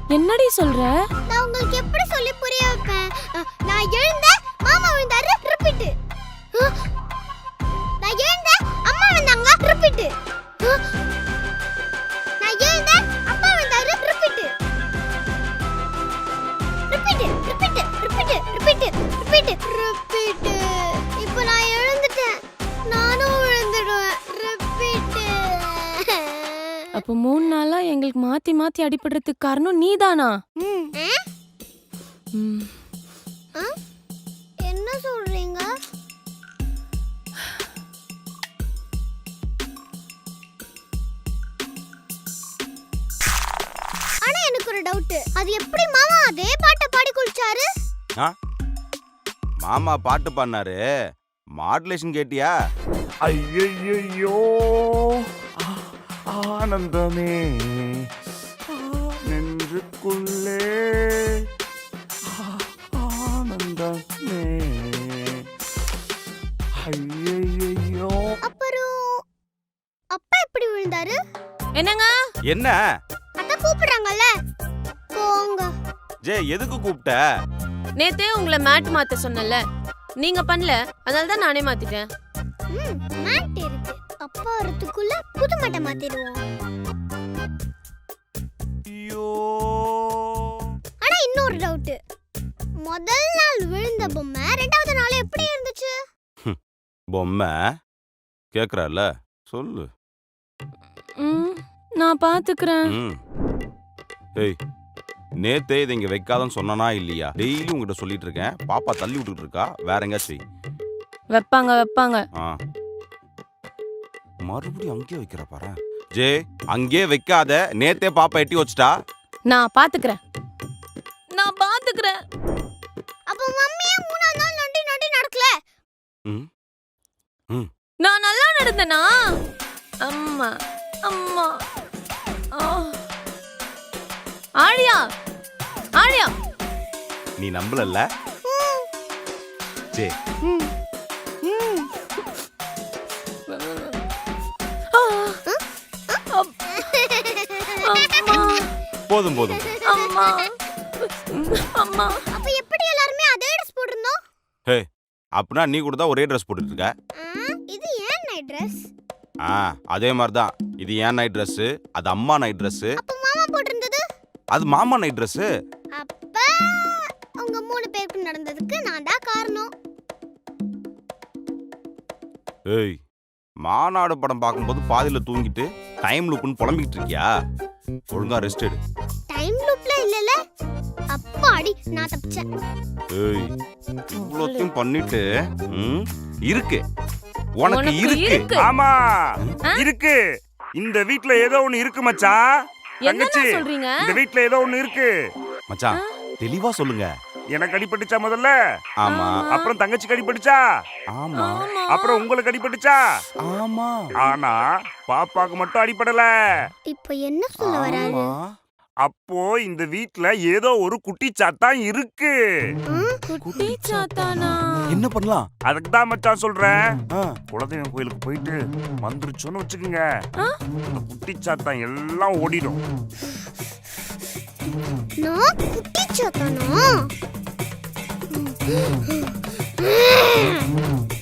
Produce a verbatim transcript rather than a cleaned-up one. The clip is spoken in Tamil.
என்னடி சொல்ற? நான் உங்களுக்கு எப்படி சொல்லி புரிய வைப்பேன்? நான் எழுந்தேன், மாமா விழுந்தாரு, ரிப்பீட். நான் எழுந்தேன், அம்மா விழுந்தாங்க, ரிப்பீட். நான் எழுந்தேன், அப்பா விழுந்தாரு, repeat. Repeat, repeat, repeat, repeat, repeat, repeat. இப்போ நான் எழுந்துட்டேன், நானும் விழுந்துடுவேன், ரிப்பீட். அப்போ மூணு நாளா எங்களுக்கு மாத்தி மாத்தி அடிபடுறதுக்கு காரணம் நீதானா? ம். என்ன சொல்றீங்க? ஆனா எனக்கு ஒரு டவுட். அது எப்படி மாமா அதே பாட்டை பாடி குளிச்சாரு? மாமா பாட்டு பாடினாரு, மாடுலேஷன் கேட்டியா? ஐயோ ஆனந்தமே நெஞ்சுக்குள்ளே ஆனந்தமே. ஐயோ அப்புறம் அப்பா எப்படி விழுந்தாரு? என்னங்க? என்ன? அத கூப்பிடுறாங்கல்ல, போங்க. ஜே, எதுக்கு கூப்பிட்ட? நேத்தே உங்களை மேட் மாத்த சொன்னல, நீங்க பண்ணல, அதனால தான் நானே மாத்திட்டேன். ம், மேட் இருக்கு. அப்பா வரதுக்குள்ள புது மேட்டை மாத்திடுவோம். ஐயோ. ஆனா இன்னொரு டவுட். முதல் நாள் விழுந்த பொம்மை ரெண்டாவது நாள் எப்படி இருந்துச்சு? பொம்மை கேக்குறல, சொல்லு. ம், நான் பாத்துக்கிறேன். ம். ஏய், நேத்தே இதை இங்க வைக்காதன்னு சொன்னானா இல்லையா? டெய்லி உங்ககிட்ட சொல்லிட்டு இருக்கேன். பாப்பா தள்ளி விட்டுட்டு இருக்கா, வேற எங்கேயாச்சும் வைப்பாங்க வைப்பாங்க. ஆ, மறுபடியும் அங்கேயே வைக்கிற பாரு. ஜே, அங்கே வைக்காத, நேத்தே பாப்பா எட்டி வச்சுட்டா. நான் பாத்துக்கிறேன், நான் பாத்துக்கிறேன். அப்ப மம்மியே மூணாவது நாள் நொண்டி நொண்டி நடக்கல. ம் ம் நான் நல்லா நடந்தேனா? அம்மா அம்மா. ஆ. ஆழியா ஆழியா, நீ நம்பலல்ல? ஜே, ம் ம் ஆ. அப்- அம்மா போதும் போதும். அம்மா அம்மா. அப்ப எப்படி எல்லாரும் அதே Dress போட்டுறோம்? ஹே, அப்படின்னா நீ கூட தான் ஒரே ட்ரெஸ் போட்டுட்டு இருக்க. இது ஏன் நைட் Dress? ஆ, அதே மாதிரி தான். இது ஏன் நைட் ட்ரெஸ், அது அம்மா நைட் ட்ரெஸ், அப்ப மாமா போட்டிருந்தது? அது மாமா நைட் ட்ரெஸ். அப்ப உங்க மூணு பேருக்கு நடந்ததுக்கு நான் தான் காரணம். ஏய், மாநாடு படம் பார்க்கும்போது பாதியில தூங்கிட்டு டைம் லூப்னு புலம்பிக்கிட்டு இருக்கியா? ஒழுங்கா ரெஸ்ட் எடு. டைம் லூப்ல இல்லல, அப்பாடி நான் தப்பிச்சேன். ஏய், இவ்வளோத்தையும் பண்ணிட்டு ம், இருக்கு உனக்கு உனக்கு இருக்கு. இருக்கு. ஆமா இருக்கு. இந்த வீட்ல ஏதோ ஒண்ணு இருக்கு மச்சான். தங்கச்சி, என்ன சொல்றீங்க? இந்த வீட்ல ஏதோ ஒண்ணு இருக்கு. மச்சான், தெளிவா சொல்லுங்க. எனக்கு அடிபட்டுச்சா முதல்ல? ஆமா அப்புறம் தங்கச்சிக்கு அடிபட்டுச்சா? ஆமா அப்புறம் உங்களுக்கு அடிபட்டுச்சா? ஆமா ஆனா பாப்பாக்கு மட்டும் அடிபடல. இப்போ என்ன சொல்ல வராரு? ஆமா. அப்போ இந்த வீட்ல ஏதோ ஒரு குட்டி சாத்தான் இருக்கு. குட்டி சாத்தானா? என்ன பண்ணலாம்? அதுக்கு தான் மச்சான் சொல்றேன். ஆ, குலதெய்வம் கோயிலுக்கு போயிட்டு வந்துருச்சோன்னு வச்சுக்கோங்க, அந்த குட்டி சாத்தான் எல்லாம் ஓடிடும். நான் குட்டி சாத்தானா?